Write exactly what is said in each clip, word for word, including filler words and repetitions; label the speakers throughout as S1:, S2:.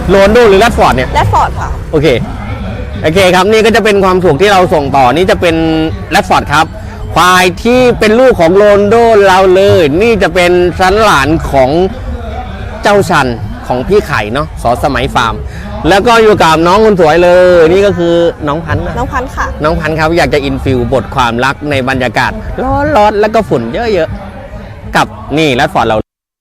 S1: โรนโดหรือแรดฟอร์ดเนี่ย
S2: แรดฟอร์ดค่ะ
S1: โอเคโอเคครับนี่ก็จะเป็นความถูกที่เราส่งต่อนี่จะเป็นแรดฟอร์ดครับควายที่เป็นลูกของโรนโดเราเลยนี่จะเป็นสันหลานของเจ้าชันของพี่ไข่เนาะสอสมัยฟาร์มแล้วก็อยู่กับน้องคนสวยเลยนี่ก็คือน้องพันธุ์
S2: น้องพันธุ์ค่ะ
S1: น้องพันธุ์ครับอยากจะอินฟิวบทความรักในบรรยากาศร้อนๆแล้วก็ฝุ่นเยอะๆกับนี่แรดฟอร์ดเรา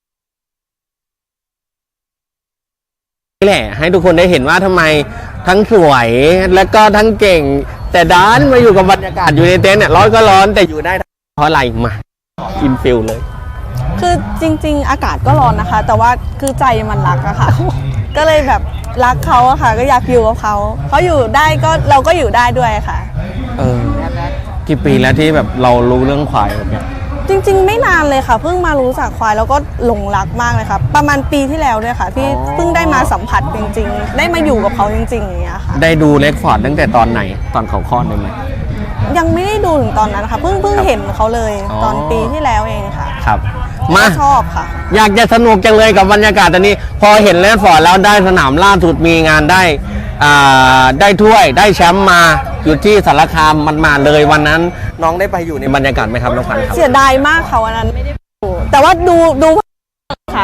S1: นี่แหละให้ทุกคนได้เห็นว่าทำไมทั้งสวยและก็ทั้งเก่งแต่ด้านมาอยู่กับบรรยากาศอยู่ในเต็นท์เนี่ยร้อนก็ร้อนแต่อยู่ได้เพราะอะไรมาอินฟิลเลย
S2: คือจริงๆอากาศก็ร้อนนะคะ แต่ว่าคือใจมันรักอะค่ะ ก็เลยแบบรักเขาอะค่ะก็อยากอยู่กับเขาเขาอยู่ได้ก็เราก็อยู่ได้ด้วยค่ะ
S1: เออกี่ปีแล้วที่แบบเรารู้เรื่องควายแบบเนี้ย
S2: จริงๆไม่นานเลยค่ะเพิ่งมารู้จักควายแล้วก็หลงรักมากเลยค่ะประมาณปีที่แล้วด้วยค่ะที่เพิ่งได้มาสัมผัสจริงๆได้มาอยู่กับเขาจริงๆอย่างเงี้ยค่ะ
S1: ได้ดูเล็กฟอร์ดตั้งแต่ตอนไหนตอนเขาคลอดได้ไหม
S2: ยังไม่ได้ดูถึงตอนนั้นค่ะเพิ่งเพิ่งเห็นเขาเลยตอนปีที่แล้วเองค่ะ
S1: ครับมา
S2: ชอบค่ะ
S1: อยากจะสนุกจังเลยกับบรรยากาศตอนนี้พอเห็นเล็กฟอร์ดแล้วได้สนามล่าสุดมีงานได้อ่าได้ถ้วยได้แชมป์มาอยู่ที่สารคามมันมาเลยวันนั้นน้องได้ไปอยู่ในบรรยากาศไหมครับน้องพันธุ์ครับ
S2: เสียดายมากค่ะวันนั้นไม่ได้ดูแต่ว่าดูดูค่ะ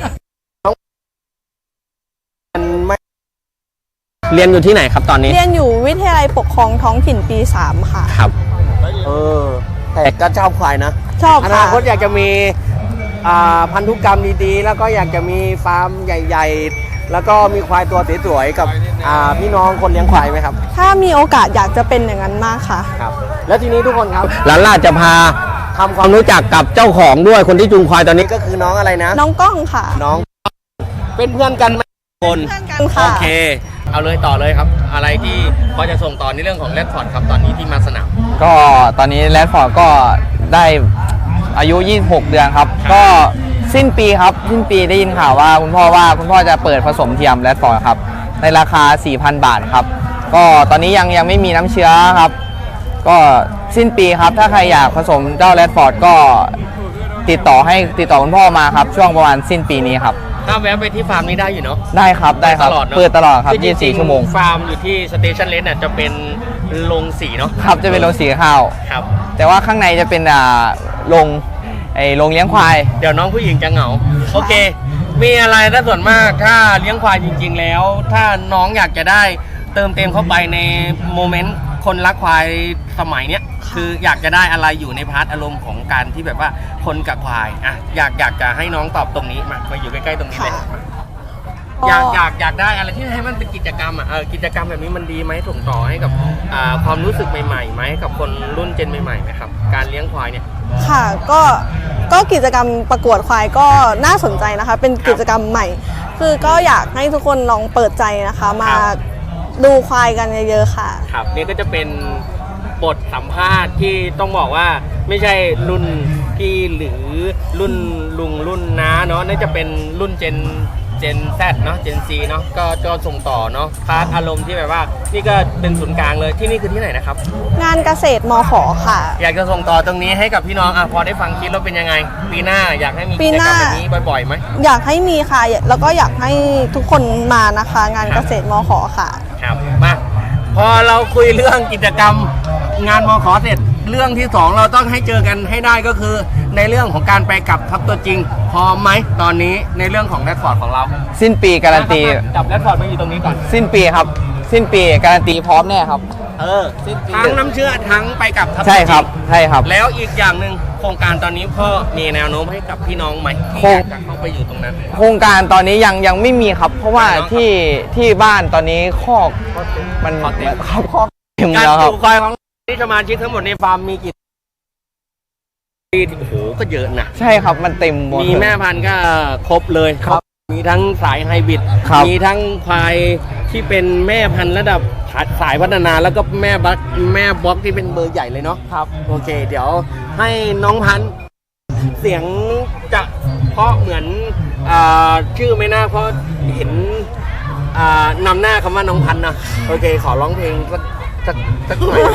S1: เรียนอยู่ที่ไหนครับตอนนี้
S2: เรียนอยู่วิทยาลัยปกครองท้องถิ่นปีสามค่ะ
S1: ครับเออแต่ก็ชอบควายนะ
S2: ชอบ
S1: อนาคตอยากจะมีพันธุกรรมดีๆแล้วก็อยากจะมีฟาร์มใหญ่ๆแล้วก็มีควายตัวสวยๆกับพี่น้องคนเลี้ยงควายไหมครับ
S2: ถ้ามีโอกาสอยากจะเป็นอย่างนั้นมากค่ะ
S1: ครับแล้วทีนี้ทุกคนครับหลานล่าจะพาทำความรู้จักกับเจ้าของด้วยคนที่จูงควายตอนนี้ก็คือน้องอะไรนะ
S2: น้องก้องค่ะ
S1: น้องเป็นเพื่อนกันไหมคน
S2: เพื่อนกันค่ะ
S1: โอเคเอาเลยต่อเลยครับอะไรที่พอจะส่งต่อในเรื่องของแรดฟอร์ดครับตอนนี้ที่มาสนาม
S3: ก็ตอนนี้แรดฟอร์ดก็ได้อายุยี่สิบหกเดือนครับก็สิ้นปีครับสิ้นปีได้ยินข่าวว่าคุณพ่อว่าคุณพ่อจะเปิดผสมเทียมแรดฟอร์ดครับในราคา สี่พัน บาทครับก็ตอนนี้ยังยังไม่มีน้ำเชื้อครับก็สิ้นปีครับถ้าใครอยากผสมเจ้าแรดฟอร์ดก็ติดต่อให้ติดต่อคุณพ่อมาครับช่วงประมาณสิ้นปีนี้ครับ
S1: ถ้าแวะไปที่ฟาร์มนี้ได้อยู่เนาะ
S3: ได้ครับได้ครับเปิดตลอดครับยี่สิบสี่ชั่วโมง
S1: ฟาร์มอยู่ที่สเตชันเลนเนี่ยจะเป็นโรงสีเนาะ
S3: ครับจะเป็นโรงสีข้าว
S1: ครับ
S3: แต่ว่าข้างในจะเป็นอ่าโรงไอ้โรงเลี้ยงควาย
S1: เดี๋ยวน้องผู้หญิงจะเหงาโอเคมีอะไรถ้าส่วนมากถ้าเลี้ยงควายจริงๆแล้วถ้าน้องอยากจะได้เติมเต็มเข้าไปในโมเมนต์คนรักควายสมัยเนี้ยคืออยากจะได้อะไรอยู่ในพาร์ทอารมณ์ของการที่แบบว่าคนกับควายอ่ะอยากอยากจะให้น้องตอบตรงนี้มามาอยู่ใกล้ๆตรงนี้เลยอยากอยากอยากได้อะไรที่ให้มันเป็นกิจกรรมอ่ะเออกิจกรรมแบบนี้มันดีไหมส่งต่อให้กับอ่าความรู้สึกใหม่ๆไหมกับคนรุ่นเจนใหม่ๆไหมครับการเลี้ยงควายเนี่ย
S2: ค่ะก็ก็กิจกรรมประกวดควายก็น่าสนใจนะคะเป็นกิจกรรมใหม่คือก็อยากให้ทุกคนลองเปิดใจนะคะมาดูควายกันเยอะๆค่ะ
S1: ครับนี่ก็จะเป็นบทสัมภาษณ์ที่ต้องบอกว่าไม่ใช่รุ่นพี่หรือรุ่นลุงรุ่นน้าเนาะน่าจะเป็นรุ่นเจนเจนแซดเนาะเจนซีเนาะก็ก็ส่งต่อเนาะพาร์ทอารมณ์ที่แบบว่านี่ก็เป็นศูนย์กลางเลยที่นี่คือที่ไหนนะครับ
S2: งานเกษตรมข.ค่ะ
S1: อยากจะส่งต่อตรงนี้ให้กับพี่น้องอ่ะพอได้ฟังคลิปแล้วเป็นยังไงปีหน้าอยากให้มีกิจกรรมแบบนี้บ่อยๆไหม
S2: อยากให้มีค่ะแล้วก็อยากให้ทุกคนมานะคะงานเกษตรมข.ค่ะ
S1: ครับมาพอเราคุยเรื่องกิจกรรมงานมข.เสร็จเรื่องที่สองเราต้องให้เจอกันให้ได้ก็คือในเรื่องของการไปกับทัพตัวจริงพร้อมไหมตอนนี้ในเรื่องของแรดฟอร์ดของเรา
S3: สิ้นปีการันตี
S1: จับแรดฟอร์ดมาอยู่ตรงนี้ก่อน
S3: สิ้นปีครับสิ้นปีการันตีพร้อมแน่ครับ
S1: เออทั้งน้ำเชื่อทั้งไปกับทัพ
S3: ใช่ครับใช่ครับ
S1: แล้วอีกอย่างหนึ่งโครงการตอนนี้พ่อมีแนวโน้มให้กับพี่น้องไหมที่อยากจะเข้าไปอยู่ตรงนั้น
S3: โครงการตอนนี้ยังยังไม่มีครับเพราะว่าที่ที่บ้านตอนนี้คอกมันครับคอกเต็มแล้วครับ
S1: การปลูกควายของที่สมาชิกทั้งหมดในฟาร์มมีกี่โอ้โหก็เยอะนะ
S3: ใช่ครับมันเต็มหมด
S1: มีแม่พันธุ์ก็ครบเลยครับมีทั้งสายไฮบริดมีทั้งควายที่เป็นแม่พันธุ์ระดับสายพัฒนาแล้วก็แม่บัคแม่บล็อกที่เป็นเบอร์ใหญ่เลยเนาะ
S3: ครับ
S1: โอเคเดี๋ยวให้น้องพันธุ์เสียงจะเพราะเหมือนชื่อไม่น่าเพราะเห็นนำหน้าคำว่าน้องพันธุ์นะโอเคขอร้องเพลงสักสักสักหน่อย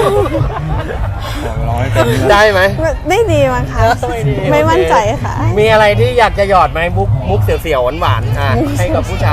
S1: ได้ไหม
S2: ไม่ดีมั้งคะไม่มั่นใจค่ะ
S1: มีอะไรที่อยากจะหยอดไหมมุกมุกเสียวๆหวานๆอ่ะให้กับผู้ชาย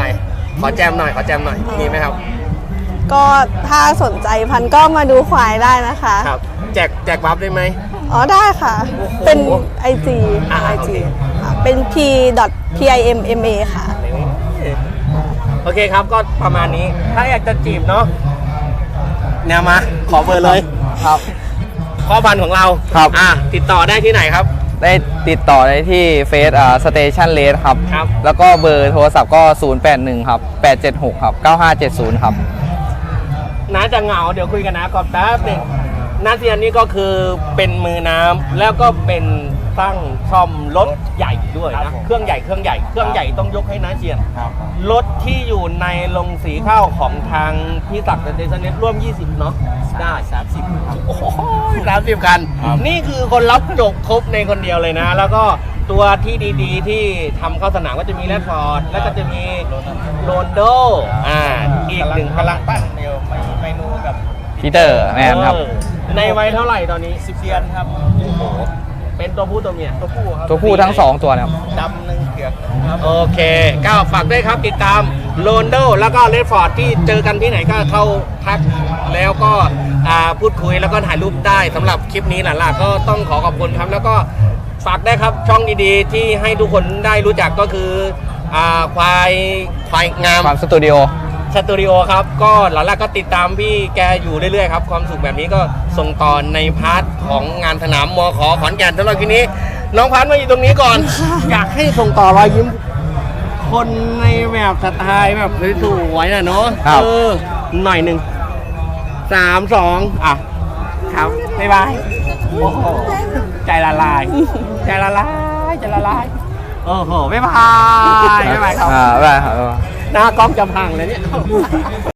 S1: ขอแจมหน่อยขอแจมหน่อยมีไหมครับ
S2: ก็ถ้าสนใจพันก็มาดูควายได้นะคะ
S1: ครับแจกแจกบัฟได้ไหม
S2: อ๋อได้ค่ะ เป็น ไอ จี
S1: อ่า
S2: ไอ
S1: โอ
S2: จี
S1: เค
S2: เป็น p p i m m a ค่ะ
S1: โอเคครับก็ประมาณนี้ถ้าอยากจะจีบเนาะแนวมาขอเบอร์เลย
S3: ครับ
S1: ข้อพันธุ์ของเรา
S3: ครับ
S1: อ่ะติดต่อได้ที่ไหนครับ
S3: ได้ติดต่อได้ที่เฟซอ่าสเตชันเลสครับ
S1: ครับ
S3: แล้วก็เบอร์โทรศัพท์ก็ ศูนย์ แปด หนึ่ง ครับ แปด เจ็ด หก ครับ เก้า ห้า เจ็ด ศูนย์ ครับ
S1: น้าจะเหงาเดี๋ยวคุยกันนะกอบแป๊บหนึงน้าเซียนนี่ก็คือเป็นมือน้ำแล้วก็เป็นสร้างซ่อมรถใหญ่ด้วยนะเครื่องใหญ่เครื่องใหญ่เครื่องใหญ่ต้องยกให้น้าเซียนรถที่อยู่ในโรงสีข้าวของทางพี่ศักดิ์เดซเนตร่วมยี่สิบเนาะได้สามสิบโอ้โหสามสิบคัน นี่คือคนรับจกครบในคนเดียวเลยนะ แล้วก็ตัวที่ดีๆ ที่ทำเข้าสนามก็จะมีแรดฟอร์ดแล้วก็จะมีโรนโดอ่าอีกหนึ่งกำลังปั้นเดียวเมนูแบบ
S3: พีเตอร์แมนครับ
S1: เออในวัยเท่าไหร่ตอนนี้สิบเดือนครับโอ้โหเป็นตัวผู้ตัวเมียตัวผู้ครับ
S3: ตัวผู้ทั้งสองตัวนะครับ
S1: ดำหนึ่งเผือกครับโอเคก็ฝากด้วยครับติดตามโรนโดแล้วก็เรดฟอร์ดที่เจอกันที่ไหนก็เข้าทักแล้วก็อ่าพูดคุยแล้วก็ถ่ายรูปได้สำหรับคลิปนี้หล่ะๆก็ต้องขอขอบคุณครับแล้วก็ฝากได้ครับช่องดีๆ ที่ให้ทุกคนได้รู้จักก็คืออ่าควายควายงาม
S3: ความสตูดิโอ
S1: สตูดิโอครับก็หลังๆก็ติดตามพี่แกอยู่เรื่อยๆครับความสุขแบบนี้ก็ส่งต่อในพาร์ทของงานสนามมขขอนแก่นสำหรับทีนี้ น้องพันธุ์มาอยู่ตรงนี้ก่อน อยากให้ส่งต่อรอยยิ้มคนในแบบสไตล์แบบสวยๆนะเนาะ
S3: ครับ
S1: เออหน่อยหนึ่งสามสองอ่ะครับบ๊ายบายโอ้โหใจละลายใจละลายใจละลายโอ้โหบ๊ายบายบ๊ายบายครับ
S3: อ่าได้ครับ
S1: หน้ากล้องจะพังเลยเนี่ย